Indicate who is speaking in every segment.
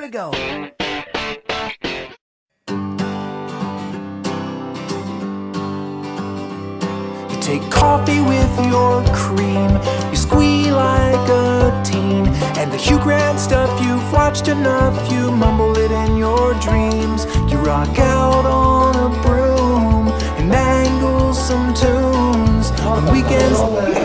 Speaker 1: we go. You take coffee with your cream, you squeal like a teen, and the Hugh Grant stuff you've watched enough, you mumble it in your dreams. You rock out on a broom and mangle some tunes on weekends.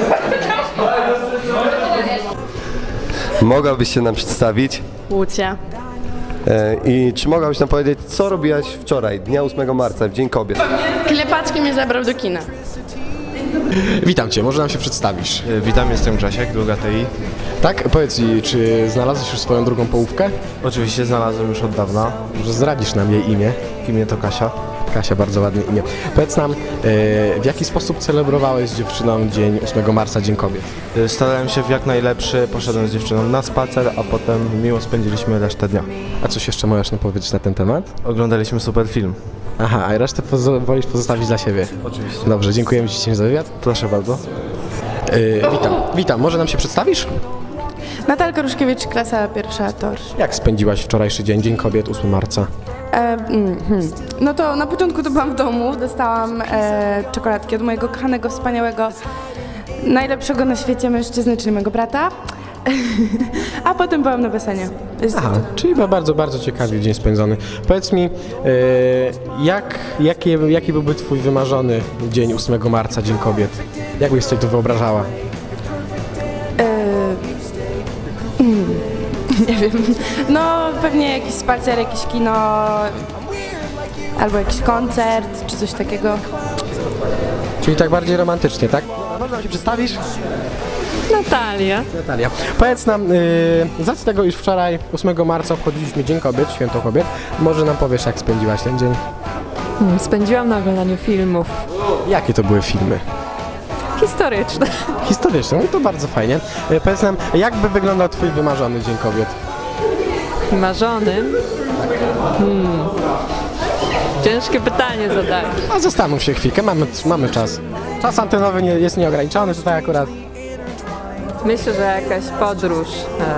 Speaker 2: Mogłabyś się nam przedstawić?
Speaker 3: Łucja.
Speaker 2: I czy mogłabyś nam powiedzieć, co robiłaś wczoraj, dnia 8 marca, w Dzień Kobiet?
Speaker 3: Klepacki mnie zabrał do kina.
Speaker 4: Witam Cię, może nam się przedstawisz?
Speaker 5: Witam, jestem Grzesiek, druga TI.
Speaker 4: Tak, powiedz mi, czy znalazłeś już swoją drugą połówkę?
Speaker 5: Oczywiście znalazłem już od dawna.
Speaker 4: Może zdradzisz nam jej imię?
Speaker 5: Imię to Kasia.
Speaker 4: Kasia, bardzo ładne imię. Powiedz nam, w jaki sposób celebrowałeś z dziewczyną dzień 8 marca, Dzień Kobiet?
Speaker 5: Starałem się w jak najlepszy, poszedłem z dziewczyną na spacer, a potem miło spędziliśmy resztę dnia.
Speaker 4: A coś jeszcze możesz nam powiedzieć na ten temat?
Speaker 5: Oglądaliśmy super film.
Speaker 4: Aha, a resztę wolisz pozostawić dla siebie?
Speaker 5: Oczywiście.
Speaker 4: Dobrze, dziękujemy Ci za wywiad.
Speaker 5: Proszę bardzo.
Speaker 4: Witam, może nam się przedstawisz?
Speaker 3: Natalka Ruszkiewicz, klasa pierwsza TOR.
Speaker 4: Jak spędziłaś wczorajszy dzień, Dzień Kobiet, 8 marca?
Speaker 3: No to na początku to byłam w domu, dostałam czekoladki od mojego kochanego, wspaniałego, najlepszego na świecie mężczyzny, czyli mojego brata. A potem byłam na basenie.
Speaker 4: Aha, czyli bardzo, bardzo ciekawy dzień spędzony. Powiedz mi, jaki byłby Twój wymarzony dzień 8 marca, Dzień Kobiet? Jak byś sobie to wyobrażała?
Speaker 3: Nie wiem. No pewnie jakiś spacer, jakieś kino, albo jakiś koncert, czy coś takiego.
Speaker 4: Czyli tak bardziej romantycznie, tak? Może nam się przedstawisz?
Speaker 3: Natalia.
Speaker 4: Natalia. Powiedz nam, z racji tego, iż wczoraj 8 marca obchodziliśmy Dzień Kobiet, Święto Kobiet, może nam powiesz, jak spędziłaś ten dzień?
Speaker 6: Spędziłam na oglądaniu filmów
Speaker 4: Jakie to były filmy?
Speaker 6: historycznych.
Speaker 4: Historyczne, no to bardzo fajnie. Powiedz nam, jak by wyglądał Twój wymarzony Dzień Kobiet?
Speaker 6: Marzonym. Ciężkie pytanie zadać.
Speaker 4: A zastanów się chwilkę, mamy czas. Czas antenowy jest nieograniczony, tutaj akurat.
Speaker 6: Myślę, że jakaś podróż,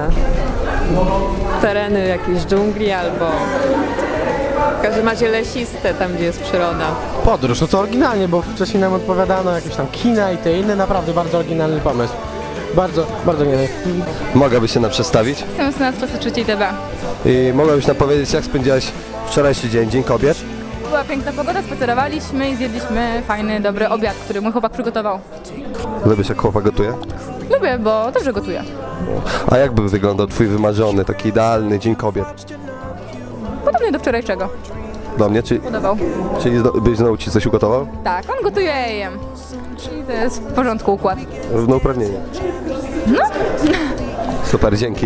Speaker 6: tereny jakiejś dżungli albo w każdym razie lesiste, tam gdzie jest przyroda.
Speaker 4: Podróż, no to oryginalnie, bo wcześniej nam odpowiadano jakieś tam kina i te inne, naprawdę bardzo oryginalny pomysł. Bardzo, bardzo nie.
Speaker 2: Mogłabyś się nam przedstawić?
Speaker 7: Jestem z nas klasy trzeciej DB.
Speaker 2: I mogłabyś nam powiedzieć, jak spędziłaś wczorajszy dzień, Dzień Kobiet?
Speaker 7: Była piękna pogoda, spacerowaliśmy i zjedliśmy fajny, dobry obiad, który mój chłopak przygotował.
Speaker 2: Lubisz, jak chłopak gotuje?
Speaker 7: Lubię, bo dobrze gotuje.
Speaker 2: A jak by wyglądał Twój wymarzony, taki idealny Dzień Kobiet?
Speaker 7: Podobnie do wczorajszego.
Speaker 2: Do mnie?
Speaker 7: Podobał.
Speaker 2: Czyli byś znowu Ci coś ugotował?
Speaker 7: Tak, on gotuje, ja jem. Czyli to jest w porządku układ.
Speaker 2: Równouprawnienie. No. Super, dzięki.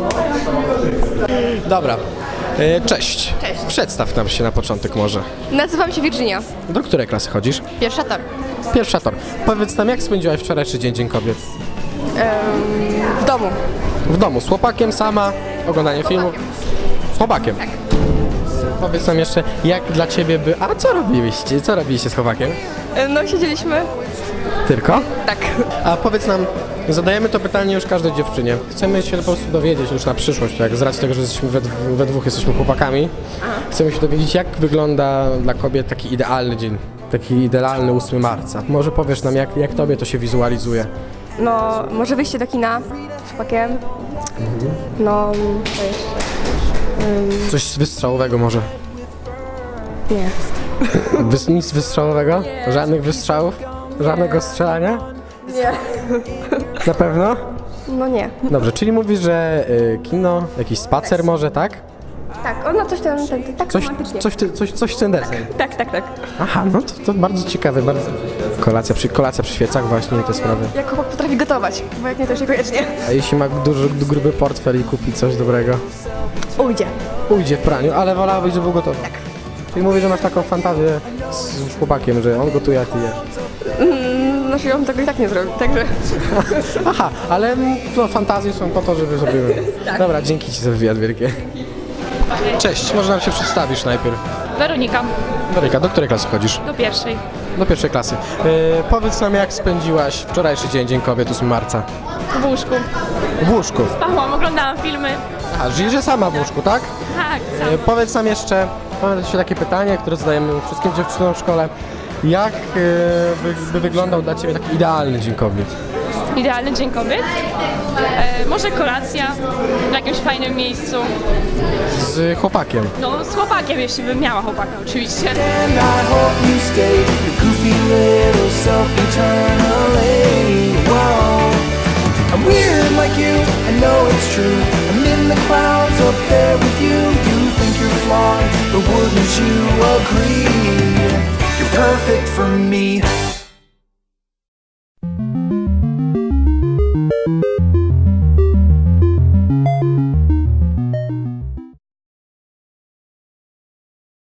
Speaker 4: Dobra. Cześć. Cześć. Przedstaw nam się na początek może.
Speaker 8: Nazywam się Virginia.
Speaker 4: Do której klasy chodzisz?
Speaker 8: Pierwsza tor.
Speaker 4: Pierwsza tor. Powiedz nam, jak spędziłaś wczorajszy dzień, Dzień Kobiet?
Speaker 8: W domu.
Speaker 4: W domu, z chłopakiem, sama, oglądanie filmów? Z chłopakiem? Tak. Powiedz nam jeszcze, jak dla Ciebie by... A co robiliście? Co robiliście z chłopakiem?
Speaker 8: No siedzieliśmy.
Speaker 4: Tylko?
Speaker 8: Tak.
Speaker 4: A powiedz nam, zadajemy to pytanie już każdej dziewczynie. Chcemy się po prostu dowiedzieć już na przyszłość, jak z racji tego, że jesteśmy we dwóch jesteśmy chłopakami. Chcemy się dowiedzieć, jak wygląda dla kobiet taki idealny dzień, taki idealny 8 marca. Może powiesz nam, jak Tobie to się wizualizuje?
Speaker 8: No, może wyjście do kina z chłopakiem. No, to jeszcze.
Speaker 4: Coś wystrzałowego może?
Speaker 8: Nie.
Speaker 4: Nic wystrzałowego? Nie. Żadnych wystrzałów? Żadnego strzelania?
Speaker 8: Nie.
Speaker 4: Na pewno?
Speaker 8: No nie.
Speaker 4: Dobrze, czyli mówisz, że kino, jakiś spacer może, tak?
Speaker 8: Tak, ona coś tam, tak romantycznie.
Speaker 4: Coś w ten deseń.
Speaker 8: Tak.
Speaker 4: Aha, no to bardzo ciekawe, bardzo. Kolacja przy świecach właśnie, te sprawy.
Speaker 8: Jak chłopak potrafi gotować, bo jak nie, to już niekoniecznie.
Speaker 4: A jeśli ma gruby portfel i kupi coś dobrego?
Speaker 8: Ujdzie.
Speaker 4: Ujdzie w praniu, ale wolałabyś, żeby był gotowy. Tak. Czyli mówisz, że masz taką fantazję z chłopakiem, że on gotuje, a ty jesz.
Speaker 8: No się on tego i tak nie zrobi, także...
Speaker 4: Aha, ale no, fantazje są po to, żeby zrobiły. Tak. Dobra, dzięki Ci za wywiad wielkie. Cześć, może nam się przedstawisz najpierw.
Speaker 7: Weronika,
Speaker 4: Weronika, do której klasy chodzisz?
Speaker 7: do pierwszej.
Speaker 4: Do pierwszej klasy. Powiedz nam, jak spędziłaś wczorajszy dzień Kobiet 8 marca?
Speaker 7: W łóżku.
Speaker 4: W łóżku.
Speaker 7: Spałam, oglądałam filmy.
Speaker 4: A, żyjesz sama w łóżku, tak?
Speaker 7: Tak,
Speaker 4: Powiedz nam jeszcze, mam jeszcze takie pytanie, które zadajemy wszystkim dziewczynom w szkole. Jak by wyglądał dla Ciebie taki idealny Dzień Kobiet?
Speaker 7: Idealny Dzień Kobiet. Może kolacja w jakimś fajnym miejscu.
Speaker 4: Z chłopakiem.
Speaker 7: No, z chłopakiem, jeśli bym miała chłopaka, oczywiście.
Speaker 1: And I hope you stay your goofy little self eternally. Whoa. I'm weird like you, I know it's true. I'm in the clouds up there with you. You think you're flawed, but wouldn't you agree? You're perfect for me.